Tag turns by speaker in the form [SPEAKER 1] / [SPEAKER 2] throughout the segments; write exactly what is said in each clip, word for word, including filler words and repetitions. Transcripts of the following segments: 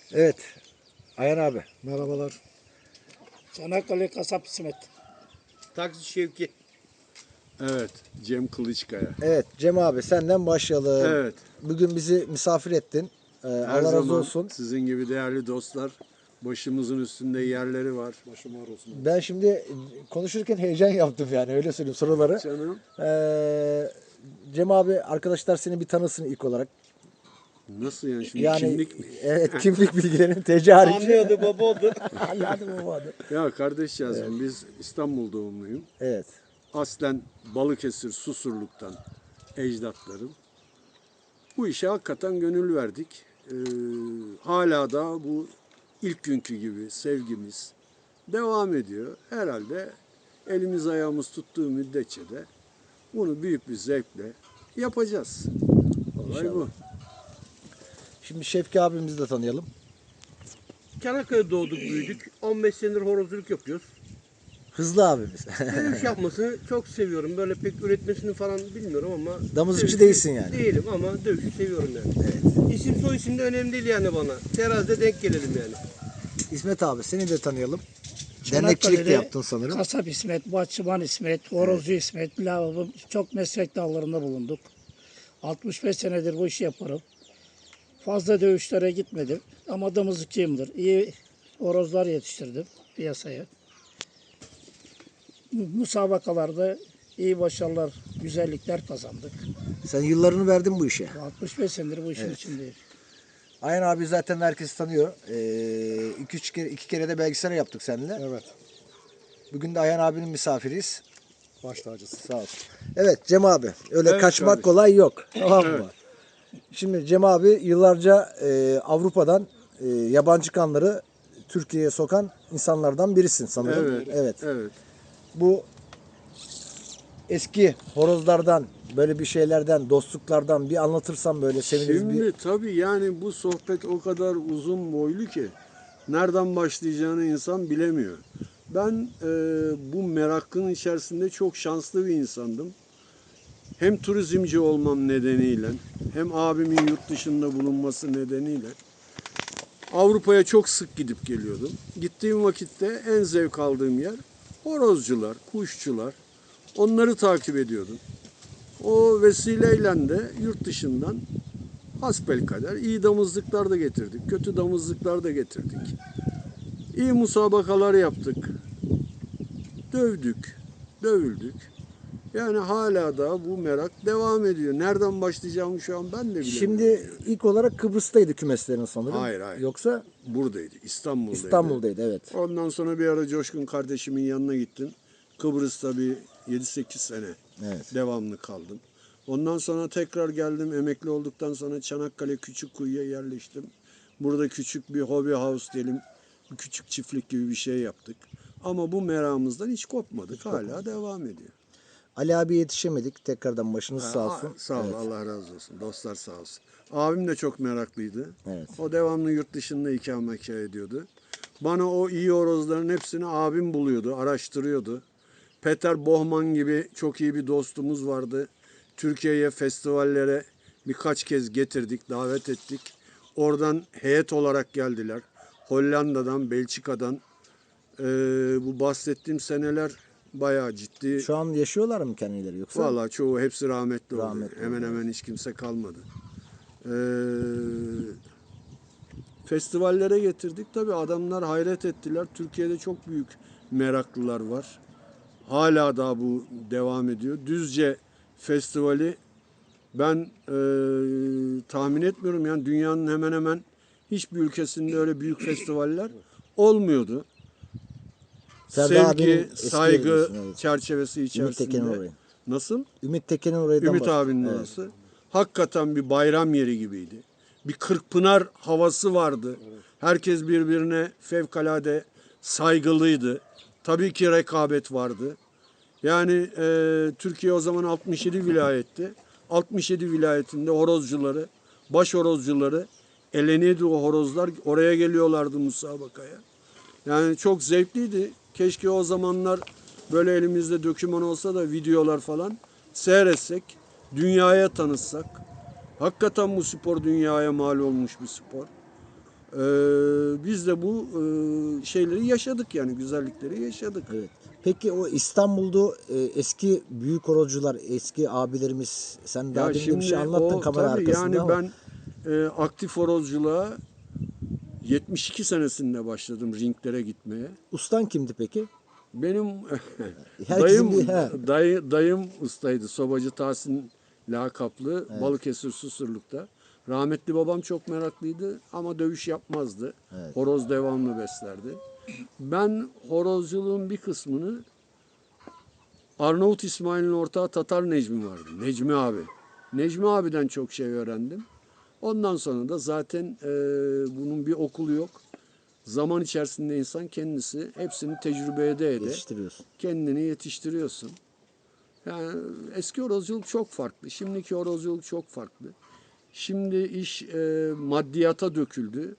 [SPEAKER 1] Evet. Ayhan abi.
[SPEAKER 2] Merhabalar. Çanakkale Kasap İsmet.
[SPEAKER 3] Taksi Şevki. Evet, Cem Kılıçkaya.
[SPEAKER 1] Evet Cem abi senden başlayalım.
[SPEAKER 3] Evet.
[SPEAKER 1] Bugün bizi misafir ettin. Ee,
[SPEAKER 3] Her
[SPEAKER 1] Allah razı
[SPEAKER 3] zaman
[SPEAKER 1] olsun.
[SPEAKER 3] sizin gibi değerli dostlar, başımızın üstünde yerleri var.
[SPEAKER 2] Başım ağrı olsun.
[SPEAKER 1] Ben şimdi konuşurken heyecan yaptım yani öyle söyleyeyim soruları.
[SPEAKER 3] Canım.
[SPEAKER 1] Ee, Cem abi arkadaşlar seni bir tanısın ilk olarak.
[SPEAKER 3] Nasıl yani şimdi
[SPEAKER 1] Yani
[SPEAKER 3] kimlik mi?
[SPEAKER 1] evet kimlik bilgilerin T C harici.
[SPEAKER 3] Anlıyordu baba oldu.
[SPEAKER 1] Anladım babadı.
[SPEAKER 3] Ya kardeşcağızım biz İstanbul doğumluyum.
[SPEAKER 1] Evet.
[SPEAKER 3] Aslen Balıkesir, Susurluk'tan ecdatlarım. Bu işe hakikaten gönül verdik. Ee, hala da bu ilk günkü gibi sevgimiz devam ediyor. Herhalde elimiz ayağımız tuttuğu müddetçe de bunu büyük bir zevkle yapacağız. Olay
[SPEAKER 1] İnşallah.
[SPEAKER 3] bu.
[SPEAKER 1] Şimdi Şevki abimizi de tanıyalım.
[SPEAKER 4] Çanakkale'de doğduk büyüdük. on beş senedir horozculuk yapıyoruz.
[SPEAKER 1] Hızlı abimiz.
[SPEAKER 4] Dövüş yapmasını çok seviyorum. Böyle pek üretmesini falan bilmiyorum ama...
[SPEAKER 1] Damızlıkçı
[SPEAKER 4] dövüşü
[SPEAKER 1] değilsin yani.
[SPEAKER 4] Değilim ama dövüşü seviyorum yani.
[SPEAKER 1] Evet.
[SPEAKER 4] İsim soy isim de önemli değil yani bana. Terazide denk gelelim yani.
[SPEAKER 1] İsmet abi seni de tanıyalım.
[SPEAKER 2] Çanakkale'de
[SPEAKER 1] Dernekçilik de yaptın sanırım.
[SPEAKER 2] Kasap İsmet, bahçıvan İsmet, horozcu İsmet, lavabo çok meslek dallarında bulunduk. altmış beş senedir bu işi yaparım. Fazla dövüşlere gitmedim ama damızlıkçıyımdır. İyi horozlar yetiştirdim piyasaya. Musabakalarda iyi başarılar, güzellikler kazandık.
[SPEAKER 1] Sen yıllarını verdin bu işe.
[SPEAKER 2] altmış beş senedir bu işin
[SPEAKER 1] Evet.
[SPEAKER 2] içindeyim.
[SPEAKER 1] Ayhan abi zaten herkes tanıyor. Ee, iki, üç kere, iki kere de belgesel yaptık seninle.
[SPEAKER 2] Evet.
[SPEAKER 1] Bugün de Ayhan abinin misafiriyiz.
[SPEAKER 2] Baş tacısı.
[SPEAKER 1] Sağ olsun. Evet Cem abi. Öyle
[SPEAKER 3] Evet
[SPEAKER 1] kaçmak
[SPEAKER 3] kardeşim.
[SPEAKER 1] kolay yok. Tamam mı?
[SPEAKER 3] Evet.
[SPEAKER 1] Şimdi Cem abi yıllarca e, Avrupa'dan e, yabancı kanları Türkiye'ye sokan insanlardan birisin sanırım.
[SPEAKER 3] Evet.
[SPEAKER 1] Evet.
[SPEAKER 3] Evet.
[SPEAKER 1] Bu eski horozlardan böyle bir şeylerden, dostluklardan bir anlatırsan böyle seviniriz.
[SPEAKER 3] Şimdi
[SPEAKER 1] Bir...
[SPEAKER 3] tabii yani bu sohbet o kadar uzun boylu ki nereden başlayacağını insan bilemiyor. Ben e, bu merakın içerisinde çok şanslı bir insandım. Hem turizmci olmam nedeniyle hem abimin yurt dışında bulunması nedeniyle Avrupa'ya çok sık gidip geliyordum. Gittiğim vakitte en zevk aldığım yer horozcular, kuşçular. Onları takip ediyordum. O vesileyle de yurt dışından hasbelkader iyi damızlıklar da getirdik. Kötü damızlıklar da getirdik. İyi musabakalar yaptık. Dövdük, dövüldük. Yani hala da bu merak devam ediyor. Nereden başlayacağımı şu an ben de bilemiyorum.
[SPEAKER 1] Şimdi ilk olarak Kıbrıs'taydı kümeslerin sanırım.
[SPEAKER 3] Hayır, hayır.
[SPEAKER 1] Yoksa
[SPEAKER 3] buradaydı, İstanbul'daydı.
[SPEAKER 1] İstanbul'daydı evet.
[SPEAKER 3] Ondan sonra bir ara Coşkun kardeşimin yanına gittim. Kıbrıs'ta bir yedi sekiz sene
[SPEAKER 1] Evet.
[SPEAKER 3] devamlı kaldım. Ondan sonra tekrar geldim. Emekli olduktan sonra Çanakkale Küçükkuyu'ya yerleştim. Burada küçük bir hobi house diyelim, bir küçük çiftlik gibi bir şey yaptık. Ama bu meramımızdan hiç kopmadık. Hala devam ediyor.
[SPEAKER 1] Ali abi yetişemedik. Tekrardan başınız sağ
[SPEAKER 3] Aa,
[SPEAKER 1] olsun.
[SPEAKER 3] Sağ ol,
[SPEAKER 1] Evet.
[SPEAKER 3] Allah razı olsun. Dostlar sağ olsun. Abim de çok meraklıydı.
[SPEAKER 1] Evet.
[SPEAKER 3] O devamlı yurt dışında ikamet ediyordu. Bana o iyi horozların hepsini abim buluyordu, araştırıyordu. Peter Bohman gibi çok iyi bir dostumuz vardı. Türkiye'ye festivallere birkaç kez getirdik, davet ettik. Oradan heyet olarak geldiler. Hollanda'dan, Belçika'dan. Ee, bu bahsettiğim seneler bayağı ciddi.
[SPEAKER 1] Şu an yaşıyorlar mı kendileri yoksa?
[SPEAKER 3] Vallahi çoğu hepsi rahmetli,
[SPEAKER 1] Rahmetli
[SPEAKER 3] oldu. Hemen
[SPEAKER 1] oldu,
[SPEAKER 3] hemen hiç kimse kalmadı. Ee, festivallere getirdik. Tabii adamlar hayret ettiler. Türkiye'de çok büyük meraklılar var. Hala daha bu devam ediyor. Düzce Festivali ben e, tahmin etmiyorum. Yani dünyanın hemen hemen hiçbir ülkesinde öyle büyük festivaller olmuyordu.
[SPEAKER 1] Serdar abinin
[SPEAKER 3] Sevgi,
[SPEAKER 1] eski
[SPEAKER 3] saygı
[SPEAKER 1] yeri diyorsun, evet.
[SPEAKER 3] çerçevesi
[SPEAKER 1] Ümit Tekin'in
[SPEAKER 3] içerisinde.
[SPEAKER 1] orayı.
[SPEAKER 3] Nasıl?
[SPEAKER 1] Ümit Tekin'in orayı.
[SPEAKER 3] Ümit abinin
[SPEAKER 1] evet.
[SPEAKER 3] orası. Hakikaten bir bayram yeri gibiydi. Bir Kırkpınar havası vardı. Herkes birbirine fevkalade saygılıydı. Tabii ki rekabet vardı. Yani e, Türkiye o zaman altmış yedi vilayetti. altmış yedi vilayetinde horozcuları, baş horozcuları eleniyordu o horozlar. Oraya geliyorlardı musabakaya. Yani çok zevkliydi. Keşke o zamanlar böyle elimizde doküman olsa da videolar falan seyretsek, dünyaya tanıtsak. Hakikaten bu spor dünyaya mal olmuş bir spor. Ee, biz de bu e, şeyleri yaşadık yani güzellikleri yaşadık.
[SPEAKER 1] Evet. Peki o İstanbul'da e, eski büyük horozcular, eski abilerimiz, sen daha
[SPEAKER 3] Ya
[SPEAKER 1] demin de bir şey
[SPEAKER 3] şimdi
[SPEAKER 1] anlattın
[SPEAKER 3] o
[SPEAKER 1] kamera
[SPEAKER 3] tabii
[SPEAKER 1] arkasında
[SPEAKER 3] yani
[SPEAKER 1] ama
[SPEAKER 3] ben e, aktif horozculuğa yetmiş iki senesinde başladım ringlere gitmeye.
[SPEAKER 1] ustan kimdi peki?
[SPEAKER 3] Benim
[SPEAKER 1] Herkesin
[SPEAKER 3] dayım
[SPEAKER 1] bir- he.
[SPEAKER 3] dayı, dayım ustaydı. Sobacı Tahsin lakaplı Balıkesir Susurluk'ta. Rahmetli babam çok meraklıydı ama dövüş yapmazdı.
[SPEAKER 1] Evet.
[SPEAKER 3] Horoz devamlı beslerdi. Ben horozculuğun bir kısmını Arnavut İsmail'in ortağı Tatar Necmi vardı. Necmi abi. Necmi abiden çok şey öğrendim. Ondan sonra da zaten e, bunun bir okulu yok. Zaman içerisinde insan kendisi hepsini tecrübe ede ede
[SPEAKER 1] Yetiştiriyorsun.
[SPEAKER 3] kendini yetiştiriyorsun. Yani eski horozculuk çok farklı. Şimdiki horozculuk çok farklı. Şimdi iş e, maddiyata döküldü.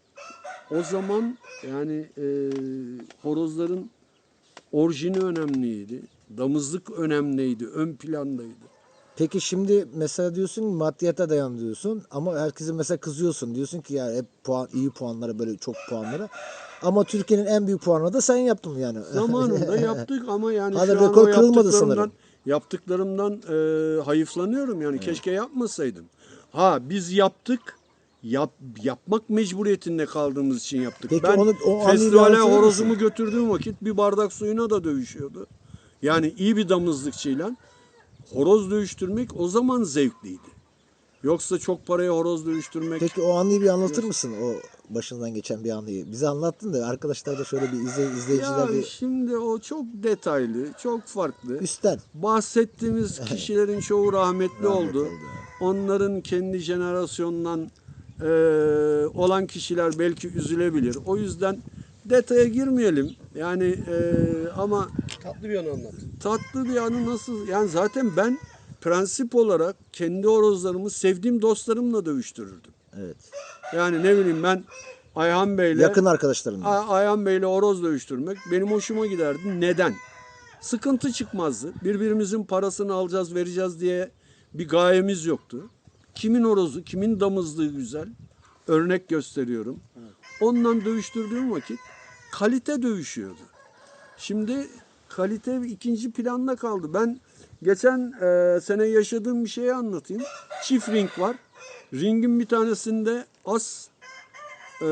[SPEAKER 3] O zaman yani e, horozların orijini önemliydi. Damızlık önemliydi, ön plandaydı.
[SPEAKER 1] Peki şimdi mesela diyorsun ki maddiyata dayan diyorsun ama herkese mesela kızıyorsun. Diyorsun ki ya hep puan, iyi puanlara böyle çok puanlara. Ama Türkiye'nin en büyük puanını da sen yaptın yani.
[SPEAKER 3] Zamanında yaptık ama yani
[SPEAKER 1] Hala
[SPEAKER 3] şu an
[SPEAKER 1] rekor
[SPEAKER 3] o
[SPEAKER 1] kırılmadı
[SPEAKER 3] yaptıklarımdan,
[SPEAKER 1] sanırım.
[SPEAKER 3] yaptıklarımdan e, hayıflanıyorum yani keşke yapmasaydım. Ha biz yaptık, yap, yapmak mecburiyetinde kaldığımız için yaptık.
[SPEAKER 1] Peki
[SPEAKER 3] ben
[SPEAKER 1] onu- o anıyı bir
[SPEAKER 3] festivale
[SPEAKER 1] anlatır
[SPEAKER 3] horozumu
[SPEAKER 1] mısın?
[SPEAKER 3] götürdüğüm vakit bir bardak suyuna da dövüşüyordu. Yani iyi bir damızlıkçıyla horoz dövüştürmek o zaman zevkliydi. Yoksa çok paraya horoz dövüştürmek...
[SPEAKER 1] Peki o anıyı bir anlatır mısın? O başından geçen bir anıyı. Bize anlattın da arkadaşlar da şöyle bir izle, izleyiciler
[SPEAKER 3] Ya
[SPEAKER 1] bir
[SPEAKER 3] şimdi o çok detaylı, çok farklı.
[SPEAKER 1] üstten.
[SPEAKER 3] Bahsettiğimiz kişilerin çoğu rahmetli,
[SPEAKER 1] Rahmetli
[SPEAKER 3] oldu.
[SPEAKER 1] oldu,
[SPEAKER 3] Onların kendi jenerasyonundan e, olan kişiler belki üzülebilir. O yüzden detaya girmeyelim. Yani e, ama
[SPEAKER 4] Tatlı bir anı anlat.
[SPEAKER 3] tatlı bir anı nasıl? Yani zaten ben prensip olarak kendi horozlarımı sevdiğim dostlarımla dövüştürürdüm.
[SPEAKER 1] Evet.
[SPEAKER 3] Yani ne bileyim ben Ayhan Bey'le
[SPEAKER 1] Yakın arkadaşlarımla.
[SPEAKER 3] A- Ayhan Bey'le horoz dövüştürmek benim hoşuma giderdi. Neden? Sıkıntı çıkmazdı. Birbirimizin parasını alacağız, vereceğiz diye bir gayemiz yoktu. Kimin horozu, kimin damızlığı güzel. Örnek gösteriyorum. Onunla dövüştürdüğüm vakit kalite dövüşüyordu. Şimdi kalite ikinci planda kaldı. Ben geçen e, sene yaşadığım bir şeyi anlatayım. Çift ring var. Ringin bir tanesinde az e,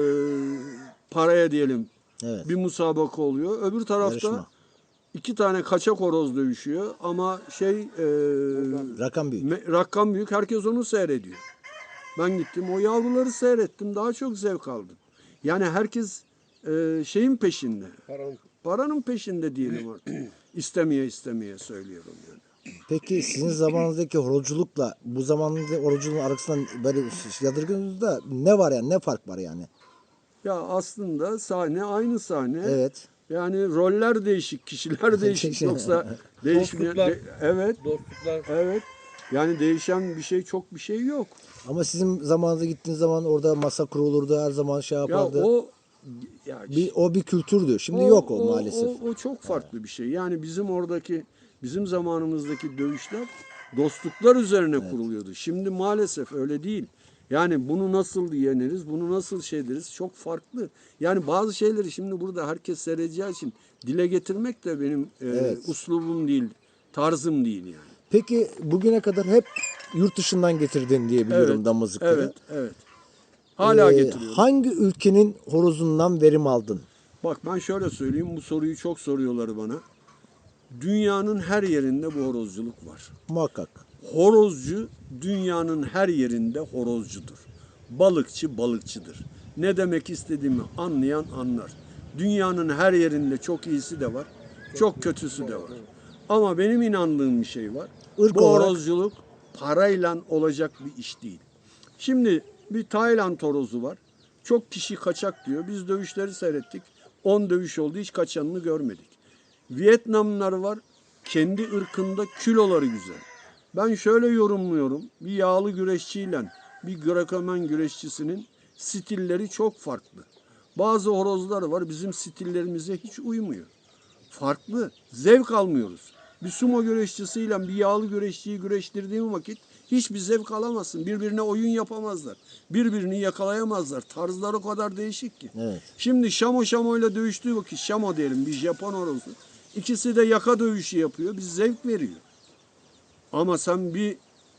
[SPEAKER 3] paraya diyelim
[SPEAKER 1] Evet.
[SPEAKER 3] bir musabaka oluyor. Öbür tarafta
[SPEAKER 1] Yarışma.
[SPEAKER 3] iki tane kaçak horoz dövüşüyor ama şey e,
[SPEAKER 1] Rakam büyük.
[SPEAKER 3] me- rakam büyük. Herkes onu seyrediyor. Ben gittim o yavruları seyrettim. Daha çok zevk aldım. Yani herkes e, şeyin peşinde.
[SPEAKER 4] Paran.
[SPEAKER 3] Paranın peşinde diyelim artık. İstemeye istemeye söylüyorum yani.
[SPEAKER 1] Peki sizin zamanınızdaki horozculukla bu zamanında horozculuğun arasında böyle yadırgınızda ne var yani? Ne fark var yani?
[SPEAKER 3] Ya aslında sahne aynı sahne.
[SPEAKER 1] Evet.
[SPEAKER 3] Yani roller değişik, kişiler değişik. Yoksa değişmeyen...
[SPEAKER 4] Dostluklar.
[SPEAKER 3] de- evet,
[SPEAKER 4] Dostluklar.
[SPEAKER 3] evet. Yani değişen bir şey, çok bir şey yok.
[SPEAKER 1] Ama sizin zamanınızda gittiğiniz zaman orada masa kurulurdu, her zaman şey
[SPEAKER 3] Ya
[SPEAKER 1] yapardı.
[SPEAKER 3] o... Ya
[SPEAKER 1] bir, o bir kültürdü. Şimdi yok o, maalesef.
[SPEAKER 3] O, o çok farklı bir şey. Yani bizim oradaki, bizim zamanımızdaki dövüşler dostluklar üzerine kuruluyordu. Şimdi maalesef öyle değil. Yani bunu nasıl yeneriz, bunu nasıl şey deriz çok farklı. Yani bazı şeyleri şimdi burada herkes seyredeceği için dile getirmek de benim e,
[SPEAKER 1] Evet.
[SPEAKER 3] uslubum değil, tarzım değil yani.
[SPEAKER 1] Peki bugüne kadar hep yurt dışından getirdin diye biliyorum
[SPEAKER 3] Evet,
[SPEAKER 1] damızlıkları.
[SPEAKER 3] evet, evet. Hala
[SPEAKER 1] Ee,
[SPEAKER 3] getiriyorum.
[SPEAKER 1] Hangi ülkenin horozundan verim aldın?
[SPEAKER 3] Bak ben şöyle söyleyeyim, bu soruyu çok soruyorlar bana. Dünyanın her yerinde bu horozculuk var.
[SPEAKER 1] Muhakkak.
[SPEAKER 3] Horozcu dünyanın her yerinde horozcudur. Balıkçı balıkçıdır. Ne demek istediğimi anlayan anlar. Dünyanın her yerinde çok iyisi de var, çok kötüsü de var. Ama benim inandığım bir şey var.
[SPEAKER 1] Irk
[SPEAKER 3] Bu
[SPEAKER 1] olarak-
[SPEAKER 3] horozculuk parayla olacak bir iş değil. Şimdi bir Tayland horozu var. Çok kişi kaçak diyor. Biz dövüşleri seyrettik. on dövüş oldu, hiç kaçanını görmedik. Vietnamlılar var. Kendi ırkında kiloları güzel. Ben şöyle yorumluyorum. Bir yağlı güreşçiyle bir Greco-Roman güreşçisinin stilleri çok farklı. Bazı horozlar var bizim stillerimize hiç uymuyor. Farklı. Zevk almıyoruz. Bir sumo güreşçisiyle bir yağlı güreşçiyi güreştirdiğim vakit Hiçbir zevk alamazsın. Birbirine oyun yapamazlar. Birbirini yakalayamazlar. Tarzları o kadar değişik ki.
[SPEAKER 1] Evet.
[SPEAKER 3] Şimdi Şamo Şamo'yla dövüştüğü vakit, Şamo diyelim bir Japon horozu. İkisi de yaka dövüşü yapıyor. Bir zevk veriyor. Ama sen bir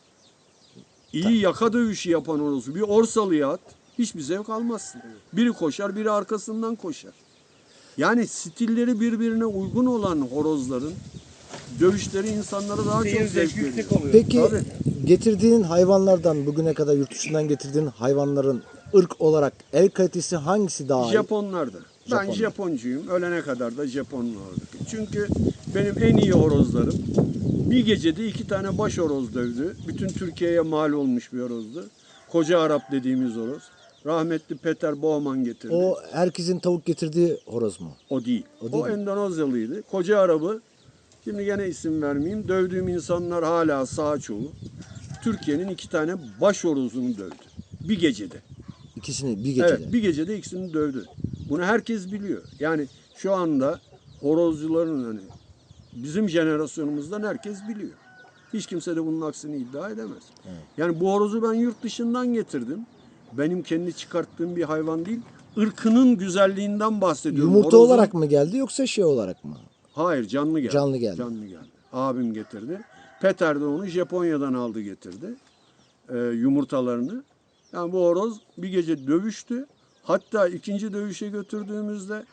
[SPEAKER 3] iyi yaka dövüşü yapan horozu bir Orsalı'ya at. Hiçbir zevk almazsın. Biri koşar, biri arkasından koşar. Yani stilleri birbirine uygun olan horozların dövüşleri insanlara daha
[SPEAKER 4] Seyir
[SPEAKER 3] çok zevk
[SPEAKER 4] zevki
[SPEAKER 3] veriyor.
[SPEAKER 4] yüksek oluyor.
[SPEAKER 1] Peki
[SPEAKER 3] Tabii.
[SPEAKER 1] getirdiğin hayvanlardan bugüne kadar yurt dışından getirdiğin hayvanların ırk olarak el kalitesi hangisi daha iyi?
[SPEAKER 3] Japonlarda. Ben
[SPEAKER 1] Japonlar.
[SPEAKER 3] Japoncuyum. Ölene kadar da Japonlardık. Çünkü benim en iyi horozlarım bir gecede iki tane baş horoz dövdü. Bütün Türkiye'ye mal olmuş bir horozdu. Koca Arap dediğimiz horoz. Rahmetli Peter Bowman getirdi. O,
[SPEAKER 1] O herkesin tavuk getirdiği horoz mu?
[SPEAKER 3] değil.
[SPEAKER 1] O
[SPEAKER 3] O,
[SPEAKER 1] değil mi?
[SPEAKER 3] Endonezyalıydı. Koca Arap'ı, şimdi gene isim vermeyeyim, dövdüğüm insanlar hala sağ çoğu. Türkiye'nin iki tane baş horozunu dövdü. Bir gecede.
[SPEAKER 1] İkisini bir gecede.
[SPEAKER 3] Evet, bir gecede ikisini dövdü. Bunu herkes biliyor. Yani şu anda horozcuların hani bizim jenerasyonumuzdan herkes biliyor. Hiç kimse de bunun aksini iddia edemez. Yani bu horozu ben yurt dışından getirdim. Benim kendi çıkarttığım bir hayvan değil. Irkının güzelliğinden bahsediyorum.
[SPEAKER 1] Yumurta
[SPEAKER 3] Horozun-
[SPEAKER 1] olarak mı geldi yoksa şey olarak mı?
[SPEAKER 3] Hayır, canlı geldi.
[SPEAKER 1] Canlı geldi.
[SPEAKER 3] Canlı geldi. Abim getirdi. Peter de onu Japonya'dan aldı getirdi. Ee, yumurtalarını. Yani bu horoz bir gece dövüştü. Hatta ikinci dövüşe götürdüğümüzde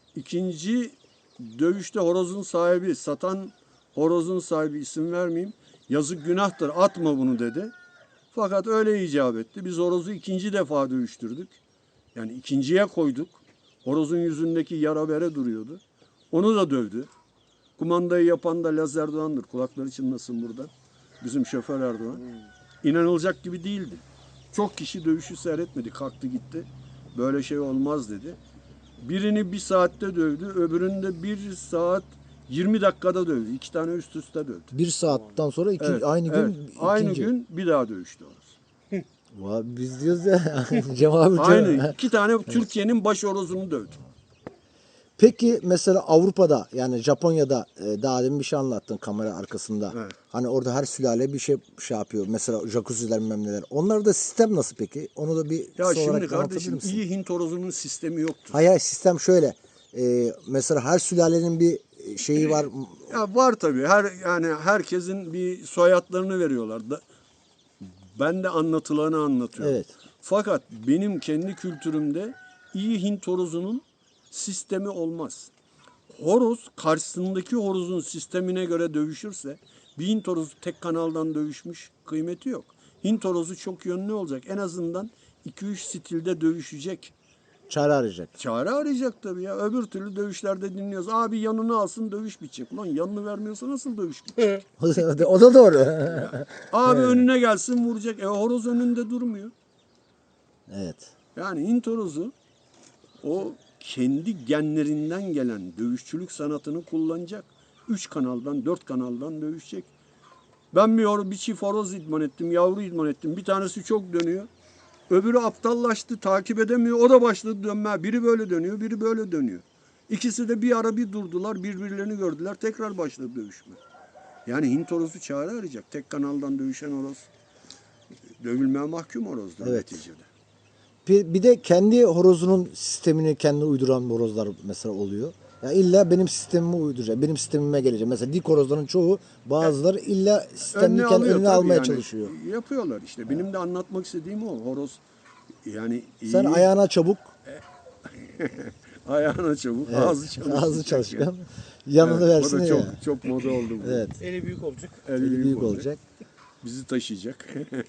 [SPEAKER 3] ikinci dövüşte horozun sahibi, satan horozun sahibi, isim vermeyeyim, yazık günahtır atma bunu dedi. Fakat öyle icap etti. Biz horozu ikinci defa dövüştürdük. Yani ikinciye koyduk. Horozun yüzündeki yara bere duruyordu. Onu da dövdü. Kumandayı yapan da Laz Erdoğan'dır. Kulakları çınlasın burada. Bizim şoför Erdoğan. İnanılacak gibi değildi. Çok kişi dövüşü seyretmedi. Kalktı gitti. Böyle şey olmaz dedi. Birini bir saatte dövdü. Öbürünü de bir saat yirmi dakikada dövdü. İki tane üst üste dövdü.
[SPEAKER 1] Bir saatten sonra iki,
[SPEAKER 3] Evet,
[SPEAKER 1] aynı gün
[SPEAKER 3] evet. Aynı
[SPEAKER 1] ikinci.
[SPEAKER 3] gün bir daha dövüştü horoz.
[SPEAKER 1] Vay, biz diyoruz ya. Cem abi diyor.
[SPEAKER 3] Aynı. iki tane Türkiye'nin baş horozunu dövdü.
[SPEAKER 1] Peki mesela Avrupa'da yani Japonya'da e, daha demin bir şey anlattın kamera arkasında.
[SPEAKER 3] Evet.
[SPEAKER 1] Hani orada her sülale bir şey şey yapıyor. Mesela jacuzziler bilmem neler. Onlarda sistem nasıl peki? Onu da bir
[SPEAKER 3] Ya
[SPEAKER 1] kısa
[SPEAKER 3] şimdi
[SPEAKER 1] olarak anlatabilir
[SPEAKER 3] kardeşim
[SPEAKER 1] misin?
[SPEAKER 3] iyi Hint horozunun sistemi yoktur.
[SPEAKER 1] Hayır hayır, sistem şöyle. E, mesela her sülalenin bir şeyi var.
[SPEAKER 3] Ya var tabii. Her yani herkesin bir soyadlarını veriyorlar. Da, ben de anlatılanı anlatıyorum.
[SPEAKER 1] Evet.
[SPEAKER 3] Fakat benim kendi kültürümde iyi Hint horozunun sistemi olmaz. Horoz karşısındaki horozun sistemine göre dövüşürse bir Hint horozu tek kanaldan dövüşmüş kıymeti yok. Hint horozu çok yönlü olacak. En azından iki üç stilde dövüşecek.
[SPEAKER 1] Çare arayacak.
[SPEAKER 3] Çare arayacak tabii ya. Öbür türlü dövüşlerde dinliyoruz. Abi yanını alsın dövüş bitecek. Ulan yanını vermiyorsa nasıl dövüş bitecek?
[SPEAKER 1] O da doğru.
[SPEAKER 3] Abi önüne gelsin vuracak. E horoz önünde durmuyor.
[SPEAKER 1] Evet.
[SPEAKER 3] Yani Hint horozu o kendi genlerinden gelen dövüşçülük sanatını kullanacak. Üç kanaldan, dört kanaldan dövüşecek. Ben bir, hor- bir çift horoz idman ettim, yavru idman ettim. Bir tanesi çok dönüyor. Öbürü aptallaştı, takip edemiyor. O da başladı dönmeye. Biri böyle dönüyor, biri böyle dönüyor. İkisi de bir ara bir durdular, birbirlerini gördüler. Tekrar başladı dövüşme. Yani Hint horozu çare arayacak. Tek kanaldan dövüşen horoz dövülmeye mahkum horozdur
[SPEAKER 1] Evet.
[SPEAKER 3] neticede.
[SPEAKER 1] Bir, bir de kendi horozunun sistemini kendi uyduran horozlar mesela oluyor. Ya illa benim sistemime uyduracak. Benim sistemime gelecek. Mesela dik horozların çoğu bazıları illa sistemini kendi
[SPEAKER 3] alıyor
[SPEAKER 1] önüne
[SPEAKER 3] tabii
[SPEAKER 1] almaya
[SPEAKER 3] yani.
[SPEAKER 1] çalışıyor.
[SPEAKER 3] Yapıyorlar işte. Benim de anlatmak istediğim o. Horoz yani iyi,
[SPEAKER 1] Sen ayağına çabuk,
[SPEAKER 3] ayağına çabuk,
[SPEAKER 1] evet,
[SPEAKER 3] ağzı çalışacak.
[SPEAKER 1] ağzı çalışkan, yanını
[SPEAKER 3] Evet,
[SPEAKER 1] versin
[SPEAKER 3] o da
[SPEAKER 1] ya.
[SPEAKER 3] çok, çok moda oldu bu.
[SPEAKER 1] Evet.
[SPEAKER 4] Eli büyük olacak.
[SPEAKER 3] El
[SPEAKER 1] Eli
[SPEAKER 3] büyük,
[SPEAKER 1] büyük
[SPEAKER 3] olacak.
[SPEAKER 1] olacak.
[SPEAKER 3] Bizi taşıyacak.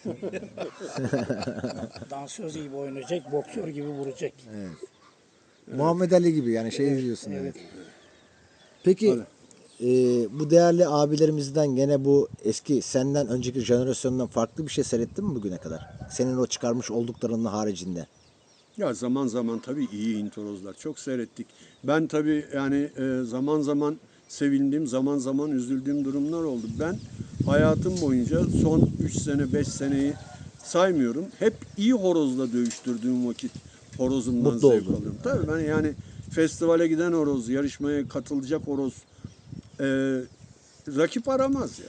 [SPEAKER 2] Dansöz gibi oynayacak, boksör gibi vuracak.
[SPEAKER 1] Muhammed Ali gibi yani şey diyorsun. Yani. Peki e, bu değerli abilerimizden gene bu eski senden önceki jenerasyondan farklı bir şey seyrettin mi bugüne kadar? Senin o çıkarmış olduklarının haricinde.
[SPEAKER 3] Ya zaman zaman tabii iyi Hint horozlar. Çok seyrettik. Ben tabii yani e, zaman zaman sevindiğim, zaman zaman üzüldüğüm durumlar oldu. Ben hayatım boyunca son üç sene, beş seneyi saymıyorum. Hep iyi horozla dövüştürdüğüm vakit horozumdan
[SPEAKER 1] Mutlu
[SPEAKER 3] zevk
[SPEAKER 1] oldun.
[SPEAKER 3] alıyorum. Tabii ben yani festivale giden horoz, yarışmaya katılacak horoz e, rakip aramaz ya.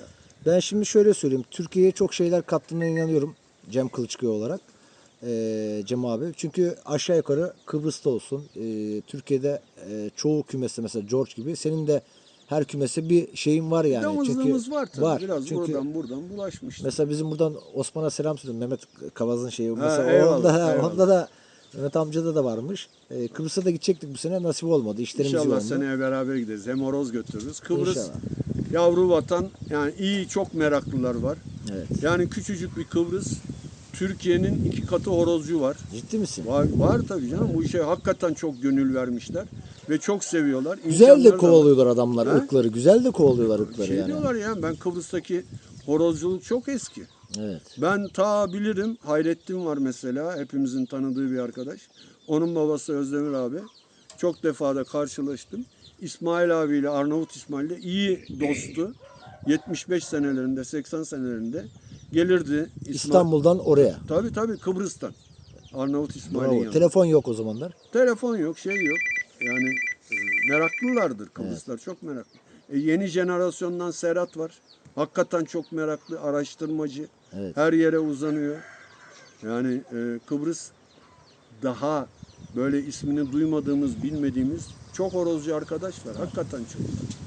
[SPEAKER 1] Ben şimdi şöyle söyleyeyim. Türkiye'ye çok şeyler kattığına inanıyorum. Cem Kılıçkaya olarak. Ee, Cem abi. Çünkü aşağı yukarı Kıbrıs'ta olsun. e, Türkiye'de e, çoğu kümeste mesela George gibi. Senin de her kümese bir şeyin var yani.
[SPEAKER 3] Damızlığımız
[SPEAKER 1] Çünkü
[SPEAKER 3] var tabii. Biraz
[SPEAKER 1] Çünkü
[SPEAKER 3] buradan buradan bulaşmıştır.
[SPEAKER 1] mesela bizim buradan Osman'a selam söylüyorum. Mehmet Kavaz'ın şeyi.
[SPEAKER 3] Ha,
[SPEAKER 1] Mesela
[SPEAKER 3] eyvallah,
[SPEAKER 1] onda,
[SPEAKER 3] eyvallah.
[SPEAKER 1] onda da Mehmet amcada da varmış. Ee, Kıbrıs'a da gidecektik bu sene. Nasip olmadı. İşlerimiz
[SPEAKER 3] İnşallah
[SPEAKER 1] yoğundu.
[SPEAKER 3] seneye beraber gideriz. Hem horoz götürürüz. Kıbrıs
[SPEAKER 1] İnşallah.
[SPEAKER 3] yavru vatan. Yani iyi, çok meraklılar var.
[SPEAKER 1] Evet.
[SPEAKER 3] Yani küçücük bir Kıbrıs. Türkiye'nin iki katı horozcu var.
[SPEAKER 1] Ciddi misin?
[SPEAKER 3] Var, var tabii canım. Bu işe hakikaten çok gönül vermişler. Ve çok seviyorlar.
[SPEAKER 1] Güzel de
[SPEAKER 3] İmkanları da var.
[SPEAKER 1] kovalıyorlar adamlar
[SPEAKER 3] Ha?
[SPEAKER 1] ırkları. Güzel de kovalıyorlar ırkları
[SPEAKER 3] Şey
[SPEAKER 1] yani.
[SPEAKER 3] diyorlar ya, ben Kıbrıs'taki horozculuk çok eski.
[SPEAKER 1] Evet.
[SPEAKER 3] Ben ta bilirim, Hayrettin var mesela, hepimizin tanıdığı bir arkadaş. Onun babası Özdemir abi. Çok defa da karşılaştım. İsmail abiyle, Arnavut İsmail'le iyi dostu. yetmiş beş senelerinde, seksen senelerinde gelirdi. İsmail.
[SPEAKER 1] İstanbul'dan oraya.
[SPEAKER 3] Tabii tabii, Kıbrıs'tan. Arnavut İsmail'in
[SPEAKER 1] Bravo.
[SPEAKER 3] yanında.
[SPEAKER 1] Telefon yok o zamanlar.
[SPEAKER 3] Telefon yok, şey yok. Yani e, meraklılardır Kıbrıslar, çok meraklı. E, yeni jenerasyondan Serhat var. Hakikaten çok meraklı, araştırmacı.
[SPEAKER 1] Evet.
[SPEAKER 3] Her yere uzanıyor. Yani e, Kıbrıs daha böyle ismini duymadığımız, bilmediğimiz çok horozcu arkadaş var. Hakikaten çok.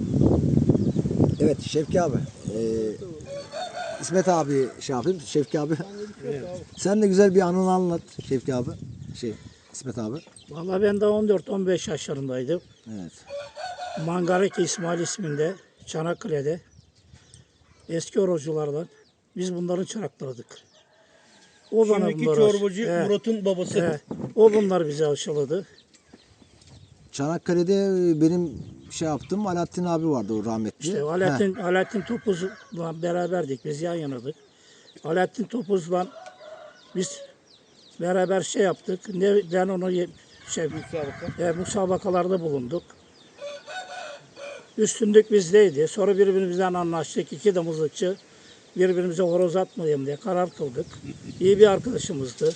[SPEAKER 1] Evet Şevki abi. Ee, İsmet abi şey yapayım. Şevki abi. Sen de güzel bir anını anlat Şevki abi. Şey İsmet abi.
[SPEAKER 2] Vallahi ben de on dört on beş yaşlarındaydım.
[SPEAKER 1] Evet.
[SPEAKER 2] Mangarek İsmail isminde Çanakkale'de eski horozculardan biz bunların çıraklarıydık. O bana
[SPEAKER 4] Şimdiki
[SPEAKER 2] bunları
[SPEAKER 4] çorbacı
[SPEAKER 2] He,
[SPEAKER 4] Murat'ın babası.
[SPEAKER 2] he. O bunlar bize aşıladı.
[SPEAKER 1] Çanakkale'de benim şey yaptım. Alaaddin abi vardı o rahmetli.
[SPEAKER 2] İşte Alaaddin, Alaaddin Topuz'la beraberdik. Biz yan yanadık. Alaaddin Topuz'la biz beraber şey yaptık. Ne, ben onu ye- şey,
[SPEAKER 4] Müsabaka.
[SPEAKER 2] e, musabakalarda bulunduk. Üstünlük bizdeydi. Sonra birbirimizden anlaştık. İki de mızıkçı birbirimize horoz atmayalım diye karar kıldık. İyi bir arkadaşımızdı.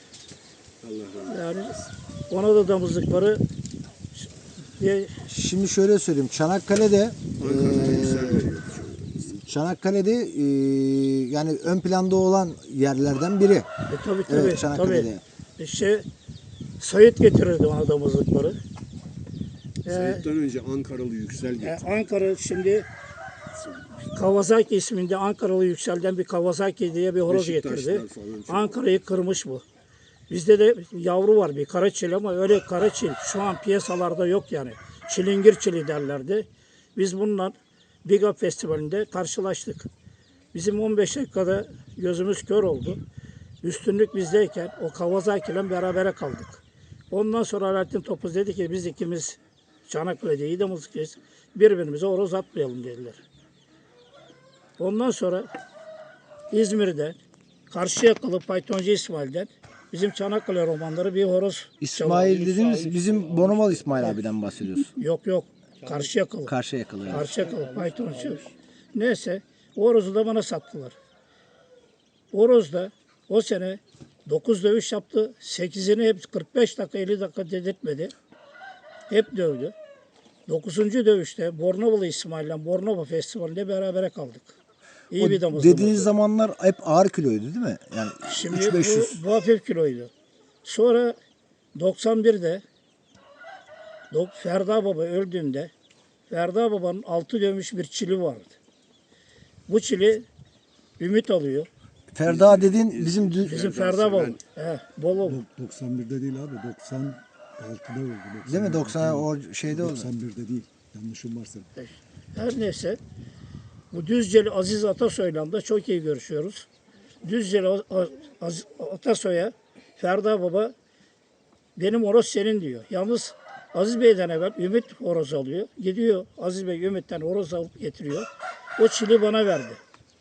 [SPEAKER 2] Yani ona da damızlıkları diye
[SPEAKER 1] Şimdi şöyle söyleyeyim. Çanakkale'de e, Çanakkale'de e, yani ön planda olan yerlerden biri.
[SPEAKER 2] E, tabii tabii.
[SPEAKER 1] Evet, Çanakkale'de.
[SPEAKER 2] tabii. İşte Sayit getirirdi ona damızlıkları. E,
[SPEAKER 3] Sayıt'tan önce Ankaralı Yüksel
[SPEAKER 2] e,
[SPEAKER 3] getirdi.
[SPEAKER 2] Ankara şimdi Kawasaki isminde Ankaralı Yüksel'den bir Kawasaki diye bir horoz getirdi.
[SPEAKER 3] Beşiktaşlar falan çok.
[SPEAKER 2] Ankara'yı kırmış bu. Bizde de yavru var bir karaçil ama öyle karaçil şu an piyasalarda yok yani. Çilingir çili derlerdi. Biz bununla Biga Festivali'nde karşılaştık. Bizim on beş dakikada gözümüz kör oldu. Üstünlük bizdeyken o Kawasaki ile berabere kaldık. Ondan sonra Alaaddin Topuz dedi ki biz ikimiz Çanakkale'de iyi de mızıkçıyız. Birbirimize horoz atmayalım dediler. Ondan sonra İzmir'de Karşıyakalı Faytoncu İsmail'den bizim Çanakkale romanları bir horoz
[SPEAKER 1] İsmail
[SPEAKER 2] çalıyor.
[SPEAKER 1] dediğimiz bizim Bonomal İsmail abiden bahsediyorsun.
[SPEAKER 2] Yok yok. Karşıyakalı.
[SPEAKER 1] Karşıya yakılıyor. Yani.
[SPEAKER 2] Karşıyakalı Faytoncu. Neyse o horozu da bana sattılar. Horoz da o sene dokuz dövüş yaptı. sekizini hep kırk beş dakika elli dakika dedirtmedi. Hep dövdü. dokuzuncu dövüşte Bornovalı İsmail'le Bornova Festivali'nde berabere kaldık. İyi
[SPEAKER 1] O
[SPEAKER 2] bir damızlığımızdı.
[SPEAKER 1] dediğiniz zamanlar hep ağır kiloydu değil mi? Yani
[SPEAKER 2] Şimdi
[SPEAKER 1] üç beş yüz.
[SPEAKER 2] bu, bu hafif kiloydu. Sonra doksan birde Dok- Ferda Baba öldüğünde Ferda Baba'nın altı dövmüş bir çili vardı. Bu çili Ümit alıyor.
[SPEAKER 1] Ferda dediğin bizim dü-
[SPEAKER 2] Bizim Ferda Baba. He, Bolu.
[SPEAKER 5] doksan birde değil abi, doksan altıda öldü. doksan
[SPEAKER 1] değil mi?
[SPEAKER 5] birde
[SPEAKER 1] doksan
[SPEAKER 5] değil.
[SPEAKER 1] o şeyde oldu.
[SPEAKER 5] doksan birde değil. Yanlışım varsa.
[SPEAKER 2] Her neyse bu Düzceli Aziz Atasoy'la da çok iyi görüşüyoruz. Düzceli A- A- Aziz Atasoy'a Ferda Baba benim horoz senin diyor. Yalnız Aziz Bey'den evvel Ümit horoz alıyor. Gidiyor Aziz Bey Ümit'ten horoz alıp getiriyor. O çili bana verdi.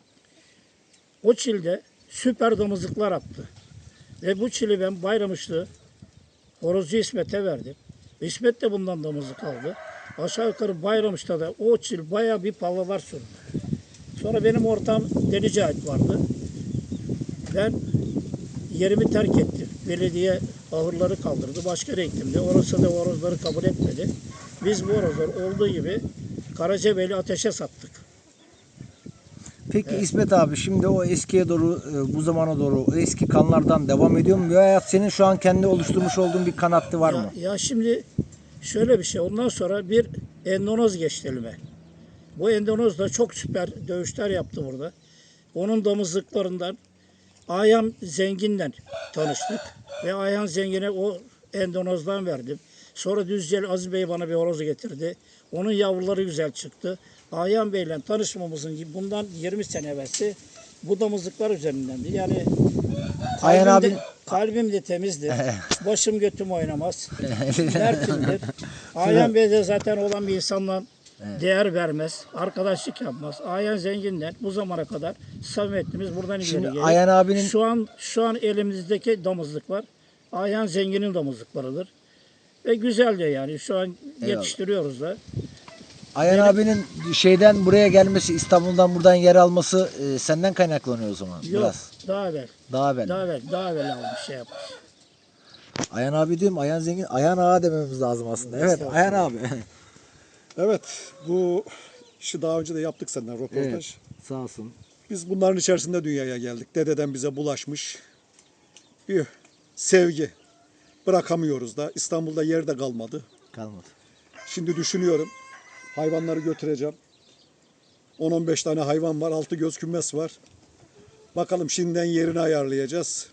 [SPEAKER 2] O çilde süper damızlıklar attı. Ve bu çili ben Bayramışlı horozcu İsmet'e verdim. İsmet de bundan damızlık aldı. Aşağı yukarı Bayramış'ta da o çil bayağı bir pallalar sürdü. Sonra benim ortağım Deli Cahit vardı. Ben yerimi terk ettim. Belediye ahırları kaldırdı. Başka yere gittim de. Orası da horozları kabul etmedi. Biz bu horozları olduğu gibi Karacabeyli Ateş'e sattık.
[SPEAKER 1] Peki İsmet abi şimdi o eskiye doğru e, bu zamana doğru o eski kanlardan devam ediyor mu? Veya senin şu an kendi oluşturmuş olduğun bir kan hattı var
[SPEAKER 2] Ya,
[SPEAKER 1] mı?
[SPEAKER 2] ya şimdi şöyle bir şey. Ondan sonra bir Endonez geçti elime. Bu Endonez da çok süper dövüşler yaptı burada. Onun damızlıklarından Ayhan Zengin'le tanıştık. Ve Ayhan Zengin'e o Endonez'dan verdim. Sonra Düzceli Aziz Bey bana bir horoz getirdi. Onun yavruları güzel çıktı. Ayhan Bey'le tanışmamızın bundan yirmi sene evvelsi bu damızlıklar üzerindendi. Yani
[SPEAKER 1] Ayhan
[SPEAKER 2] kalbim de,
[SPEAKER 1] abi-
[SPEAKER 2] kalbim de temizdir. Başım götüm oynamaz. Mertimdir. Ayhan Bey de zaten olan bir insanla değer vermez. Arkadaşlık yapmaz. Ayhan Zengin'den bu zamana kadar samimiyetimiz buradan ileri
[SPEAKER 1] Şimdi
[SPEAKER 2] gelir.
[SPEAKER 1] Ayhan abinin-
[SPEAKER 2] Şu an şu an elimizdeki damızlıklar Ayhan Zengin'in damızlıklarıdır. Ve güzel de yani şu an yetiştiriyoruz da.
[SPEAKER 1] Ayhan abinin şeyden buraya gelmesi, İstanbul'dan buradan yer alması e, senden kaynaklanıyor o zaman
[SPEAKER 2] Yok
[SPEAKER 1] biraz.
[SPEAKER 2] daha evvel.
[SPEAKER 1] Daha evvel.
[SPEAKER 2] Daha evvel, daha evvel almış şey yapmış.
[SPEAKER 1] Ayhan abi diyorum, Ayhan Zengin, Ayhan ağa dememiz lazım aslında. Evet, Ayhan abi.
[SPEAKER 5] Evet, bu işi daha önce de yaptık senden röportaj.
[SPEAKER 1] Evet, sağ olsun.
[SPEAKER 5] Biz bunların içerisinde dünyaya geldik. Dededen bize bulaşmış bir sevgi. Bırakamıyoruz da. İstanbul'da yer de kalmadı.
[SPEAKER 1] Kalmadı.
[SPEAKER 5] Şimdi düşünüyorum. Hayvanları götüreceğim. on on beş tane hayvan var. Altı göz kümes var. Bakalım şimdiden yerini ayarlayacağız.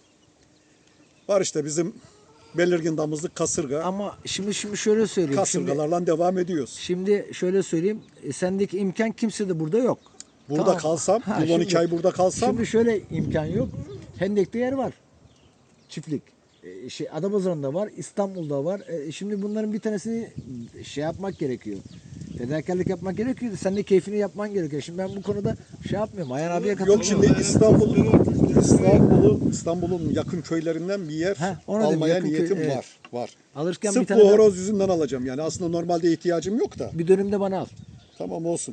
[SPEAKER 5] Var işte bizim belirgin damızlık kasırga.
[SPEAKER 1] Ama şimdi şimdi şöyle söyleyeyim. Şimdi,
[SPEAKER 5] Kasırgalarla devam ediyoruz.
[SPEAKER 1] şimdi şöyle söyleyeyim. e, Sendeki imkan kimse de burada yok.
[SPEAKER 5] Burada
[SPEAKER 1] Tamam.
[SPEAKER 5] kalsam,
[SPEAKER 1] Ha,
[SPEAKER 5] yıl on iki
[SPEAKER 1] şimdi-
[SPEAKER 5] ay burada kalsam
[SPEAKER 1] Şimdi şöyle imkan yok. Hendek'te yer var. Çiftlik. E, şey Adapazarı'nda var, İstanbul'da var. E, şimdi bunların bir tanesini şey yapmak gerekiyor. Fedakarlık yapmak gerekiyor. Sen de keyfini yapman gerekiyor. Şimdi ben bu konuda şey yapmıyorum. Ayhan abiye katılıyorum.
[SPEAKER 5] yok şimdi İstanbul İstanbul'un İstanbul'un yakın köylerinden bir yer
[SPEAKER 1] Heh, onu dedim,
[SPEAKER 5] almaya
[SPEAKER 1] yakın köy,
[SPEAKER 5] niyetim
[SPEAKER 1] evet.
[SPEAKER 5] var. Var.
[SPEAKER 1] Alırken bir
[SPEAKER 5] Sırf
[SPEAKER 1] tane
[SPEAKER 5] bu
[SPEAKER 1] de-
[SPEAKER 5] horoz yüzünden alacağım yani. Aslında normalde ihtiyacım yok da.
[SPEAKER 1] bir dönüm de bana al.
[SPEAKER 5] Tamam olsun.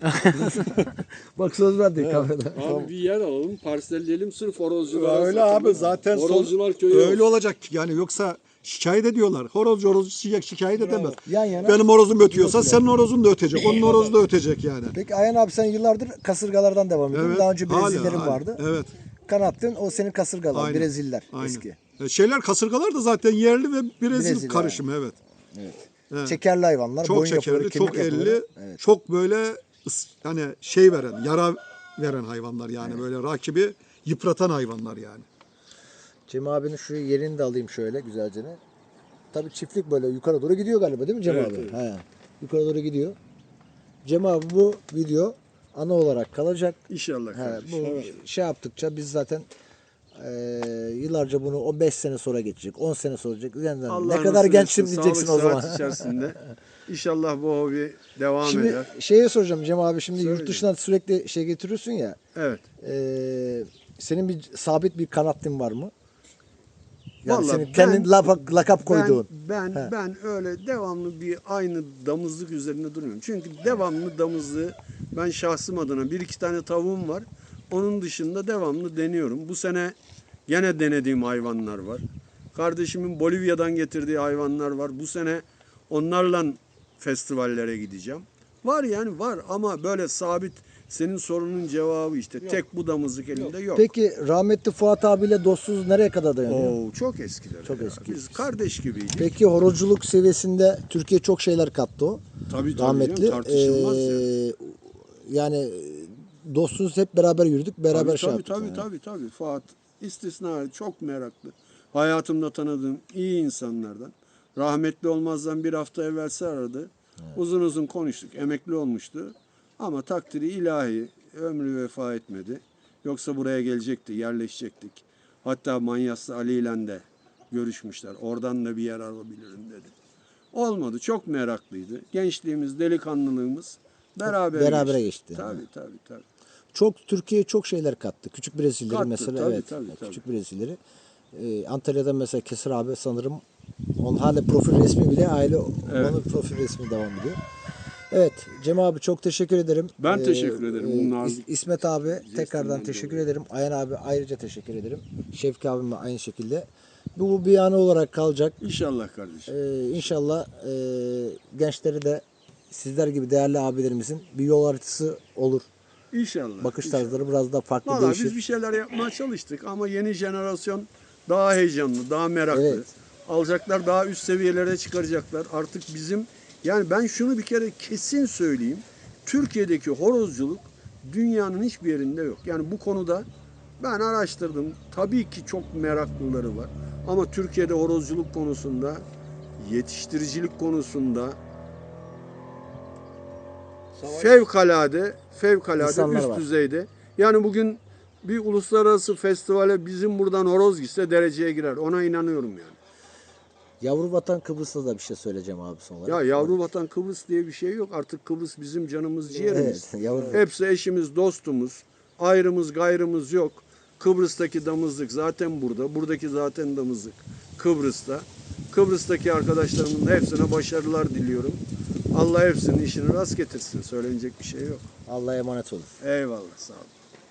[SPEAKER 1] Bak söz verdik kamerada.
[SPEAKER 3] Abi bir yer alalım, parselleyelim sırf horozculara.
[SPEAKER 5] Öyle
[SPEAKER 3] satalım.
[SPEAKER 5] abi zaten son-
[SPEAKER 3] Horozcular köyü
[SPEAKER 5] öyle
[SPEAKER 3] olsun.
[SPEAKER 5] olacak yani yoksa şikayet ediyorlar. Horozcu horozcu şikayet, şikayet edemez.
[SPEAKER 1] Yan yana.
[SPEAKER 5] Benim horozum ötüyorsa senin horozun da ötecek. Onun horozu da ötecek yani.
[SPEAKER 1] Peki Ayhan abi sen yıllardır kasırgalardan devam ediyorsun.
[SPEAKER 5] Evet,
[SPEAKER 1] Daha önce
[SPEAKER 5] hala,
[SPEAKER 1] Brezillerin
[SPEAKER 5] hala.
[SPEAKER 1] vardı.
[SPEAKER 5] Evet.
[SPEAKER 1] Kanattın o senin kasırgalar,
[SPEAKER 5] Aynen.
[SPEAKER 1] Breziller
[SPEAKER 5] Aynen.
[SPEAKER 1] eski.
[SPEAKER 5] E, Şeyler kasırgalar da zaten yerli ve Brezil
[SPEAKER 1] Brezilya.
[SPEAKER 5] karışımı evet. Evet.
[SPEAKER 1] Şekerli hayvanlar,
[SPEAKER 5] Çok
[SPEAKER 1] boyun yapıları,
[SPEAKER 5] şekerli,
[SPEAKER 1] kemik
[SPEAKER 5] çok
[SPEAKER 1] yapıları.
[SPEAKER 5] elli,
[SPEAKER 1] Evet.
[SPEAKER 5] çok böyle ıs- hani şey veren, yara veren hayvanlar yani böyle rakibi yıpratan hayvanlar yani.
[SPEAKER 1] Cem abinin şu yerini de alayım şöyle güzelce. ne. Tabii çiftlik böyle yukarı doğru gidiyor galiba değil mi Cem
[SPEAKER 3] Evet,
[SPEAKER 1] abi?
[SPEAKER 3] evet.
[SPEAKER 1] He. Yukarı doğru gidiyor. Cem abi bu video ana olarak kalacak.
[SPEAKER 3] İnşallah
[SPEAKER 1] He,
[SPEAKER 3] kardeşim.
[SPEAKER 1] bu şey yaptıkça biz zaten eee, yıllarca bunu o beş sene sonra geçecek, on sene sonra geçecek. Yani
[SPEAKER 3] Allah
[SPEAKER 1] ne kadar
[SPEAKER 3] nasip
[SPEAKER 1] gençsin
[SPEAKER 3] etsin,
[SPEAKER 1] diyeceksin
[SPEAKER 3] sağlık,
[SPEAKER 1] o zaman.
[SPEAKER 3] sıhhat içerisinde. İnşallah bu hobi devam
[SPEAKER 1] Şimdi
[SPEAKER 3] eder.
[SPEAKER 1] şeye soracağım Cem abi şimdi
[SPEAKER 3] Söyle
[SPEAKER 1] yurt dışından sürekli şey getiriyorsun ya.
[SPEAKER 3] Evet.
[SPEAKER 1] eee, senin bir sabit bir kanatlın var mı? Yani
[SPEAKER 3] Vallahi
[SPEAKER 1] senin
[SPEAKER 3] ben-
[SPEAKER 1] kendin lapa- lakap koyduğun.
[SPEAKER 3] Ben ben,
[SPEAKER 1] He.
[SPEAKER 3] ben öyle devamlı bir aynı damızlık üzerinde durmuyorum. Çünkü devamlı damızlığı ben şahsım adına bir iki tane tavuğum var. Onun dışında devamlı deniyorum. Bu sene gene denediğim hayvanlar var. Kardeşimin Bolivya'dan getirdiği hayvanlar var. Bu sene onlarla festivallere gideceğim. Var yani var ama böyle sabit senin sorunun cevabı işte tek bu damızlık elimde yok.
[SPEAKER 1] Peki rahmetli Fuat abiyle dostluğunuz nereye kadar dayanıyor?
[SPEAKER 3] Oo, çok eskiler.
[SPEAKER 1] Çok
[SPEAKER 3] ya.
[SPEAKER 1] eski.
[SPEAKER 3] Biz kardeş gibiydik.
[SPEAKER 1] Peki horozculuk seviyesinde Türkiye çok şeyler kattı o.
[SPEAKER 3] Tabii tabii
[SPEAKER 1] Rahmetli.
[SPEAKER 3] canım, tartışılmaz ya.
[SPEAKER 1] Ee, yani dostunuz hep beraber yürüdük, beraber
[SPEAKER 3] Tabii
[SPEAKER 1] şey
[SPEAKER 3] tabii
[SPEAKER 1] yaptık.
[SPEAKER 3] tabii,
[SPEAKER 1] yani.
[SPEAKER 3] tabii tabii Fuat istisna çok meraklı. Hayatımda tanıdığım iyi insanlardan. Rahmetli olmazdan bir hafta evvelsi aradı. Uzun uzun konuştuk. Emekli olmuştu. Ama takdiri ilahi ömrü vefa etmedi. Yoksa buraya gelecekti, yerleşecektik. Hatta Manyaslı Ali ile de görüşmüşler. Oradan da bir yer alabilirim dedi. Olmadı. Çok meraklıydı. Gençliğimiz, delikanlılığımız beraber
[SPEAKER 1] Berabere
[SPEAKER 3] geçti.
[SPEAKER 1] geçti.
[SPEAKER 3] Tabii tabii tabii.
[SPEAKER 1] Çok Türkiye çok şeyler kattı. Küçük Brezilleri
[SPEAKER 3] Kattı,
[SPEAKER 1] mesela
[SPEAKER 3] tabii,
[SPEAKER 1] evet.
[SPEAKER 3] tabii, tabii.
[SPEAKER 1] Küçük Brezilleri. Ee, Antalya'da mesela Kesir abi sanırım onun hala profil resmi bile aile
[SPEAKER 3] Evet.
[SPEAKER 1] onun profil resmi devam ediyor. Evet Cem abi çok teşekkür ederim.
[SPEAKER 3] Ben teşekkür ederim.
[SPEAKER 1] e,
[SPEAKER 3] Bunun
[SPEAKER 1] İs-
[SPEAKER 3] nazik
[SPEAKER 1] İsmet abi tekrardan
[SPEAKER 3] dolayı.
[SPEAKER 1] teşekkür ederim. Ayhan abi ayrıca teşekkür ederim. Şevki abime aynı şekilde. Bu, bu bir anı olarak kalacak.
[SPEAKER 3] İnşallah kardeşim.
[SPEAKER 1] Ee, inşallah e, gençleri de sizler gibi değerli abilerimizin bir yol haritası olur.
[SPEAKER 3] İnşallah.
[SPEAKER 1] bakış
[SPEAKER 3] inşallah.
[SPEAKER 1] tarzları biraz daha farklı
[SPEAKER 3] Vallahi
[SPEAKER 1] değişir.
[SPEAKER 3] biz bir şeyler yapmaya çalıştık ama yeni jenerasyon daha heyecanlı, daha meraklı.
[SPEAKER 1] Evet.
[SPEAKER 3] Alacaklar, daha üst seviyelere çıkaracaklar. Artık bizim, yani ben şunu bir kere kesin söyleyeyim. Türkiye'deki horozculuk dünyanın hiçbir yerinde yok. Yani bu konuda ben araştırdım. Tabii ki çok meraklıları var. Ama Türkiye'de horozculuk konusunda, yetiştiricilik konusunda fevkalade, fevkalade
[SPEAKER 1] İnsanlar
[SPEAKER 3] üst
[SPEAKER 1] var.
[SPEAKER 3] düzeyde. Yani bugün bir uluslararası festivale bizim buradan horoz gitse dereceye girer. Ona inanıyorum yani.
[SPEAKER 1] Yavru vatan Kıbrıs'ta da bir şey söyleyeceğim abi son olarak.
[SPEAKER 3] Ya yavru vatan Kıbrıs diye bir şey yok. Artık Kıbrıs bizim canımız, ciğerimiz.
[SPEAKER 1] Evet, yavru-
[SPEAKER 3] Hepsi eşimiz, dostumuz. Ayrımız, gayrımız yok. Kıbrıs'taki damızlık zaten burada. Buradaki zaten damızlık Kıbrıs'ta. Kıbrıs'taki arkadaşlarımın hepsine başarılar diliyorum. Allah hepsinin işini rast getirsin. Söylenecek bir şey yok.
[SPEAKER 1] Allah'a emanet olun.
[SPEAKER 3] Eyvallah, sağ olun.